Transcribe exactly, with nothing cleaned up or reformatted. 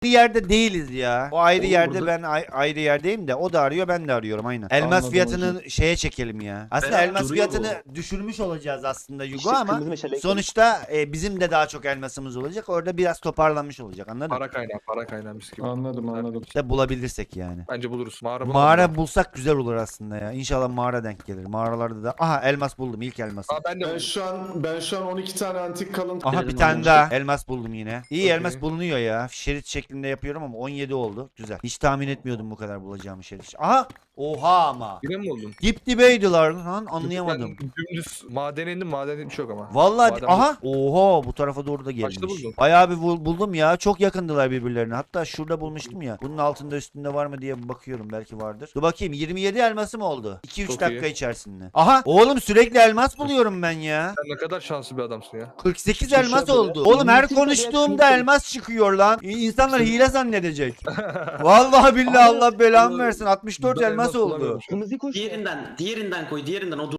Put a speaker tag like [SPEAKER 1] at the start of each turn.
[SPEAKER 1] yerde değiliz ya. O ayrı
[SPEAKER 2] Oğlum
[SPEAKER 1] yerde
[SPEAKER 2] burada-
[SPEAKER 1] ben ay- ayrı yerdeyim de o da arıyor ben de arıyorum aynen. Elmas
[SPEAKER 3] Anladım
[SPEAKER 1] fiyatını şeye çekelim ya. Aslında
[SPEAKER 2] Berat
[SPEAKER 1] elmas
[SPEAKER 2] duruyor
[SPEAKER 1] fiyatını düşürmüş olacağız aslında Yugo
[SPEAKER 4] İşte
[SPEAKER 1] ama
[SPEAKER 4] kırmızı meşale ekledim.
[SPEAKER 1] sonuçta e, bizim de daha çok elmasımız olacak. Orada biraz toparlanmış olacak anladın mı?
[SPEAKER 2] Para kaynağı, para kaynağı mis gibi.
[SPEAKER 3] Anladım anladım.
[SPEAKER 1] İşte bulabilirsek yani.
[SPEAKER 2] Bence buluruz. Mağara bulalım.
[SPEAKER 1] Mağara bulsak güzel olur aslında ya. İnşallah mağara denk gelir. Mağaralarda da aha elmas buldum ilk elması.
[SPEAKER 2] Aa, ben de
[SPEAKER 3] Ben
[SPEAKER 2] buldum.
[SPEAKER 3] şu an ben şu an on iki tane antik kalıntı.
[SPEAKER 1] Aha bir
[SPEAKER 4] Dedim
[SPEAKER 1] tane
[SPEAKER 4] onu.
[SPEAKER 1] daha elmas buldum yine. İyi
[SPEAKER 2] Okey.
[SPEAKER 1] elmas bulunuyor ya. Şerit şeklinde yapıyorum ama on yedi oldu. Güzel. Hiç tahmin etmiyordum bu kadar bulacağımı şerit. Aha! Oha ama.
[SPEAKER 2] Yine mi buldun?
[SPEAKER 1] Dip dibeydiler lan anlayamadım.
[SPEAKER 2] Ben dümdüz madene indim, madene hiç yok ama.
[SPEAKER 1] Vallahi
[SPEAKER 2] Maden
[SPEAKER 1] aha oha bu tarafa doğru da
[SPEAKER 2] Kaçta
[SPEAKER 1] gelmiş.
[SPEAKER 2] buldun?
[SPEAKER 1] Bayağı bir bul- buldum ya. Çok yakındılar birbirlerine. Hatta şurada bulmuştum ya. Bunun altında üstünde var mı diye bir bakıyorum. Belki vardır. Dur bakayım yirmi yedi elmasım oldu. iki üç
[SPEAKER 2] Çok
[SPEAKER 1] dakika
[SPEAKER 2] iyi.
[SPEAKER 1] içerisinde. Aha oğlum sürekli elmas buluyorum ben ya.
[SPEAKER 2] Sen ne kadar şanslı bir adamsın ya.
[SPEAKER 1] kırk sekiz
[SPEAKER 3] Şişe
[SPEAKER 1] elmas
[SPEAKER 3] bile.
[SPEAKER 1] oldu. Oğlum her
[SPEAKER 4] Mümkün tabii
[SPEAKER 1] konuştuğumda
[SPEAKER 4] ya,
[SPEAKER 1] elmas çıkıyor lan. İnsanlar hile zannedecek. Vallahi billahi Allah belamı versin. altmış dört
[SPEAKER 2] Ben
[SPEAKER 1] elmas
[SPEAKER 2] elmas
[SPEAKER 1] oldu.
[SPEAKER 2] bulamıyorum şu an.
[SPEAKER 4] Kırmızı koş.
[SPEAKER 5] Diğerinden, diğerinden koy, diğerinden o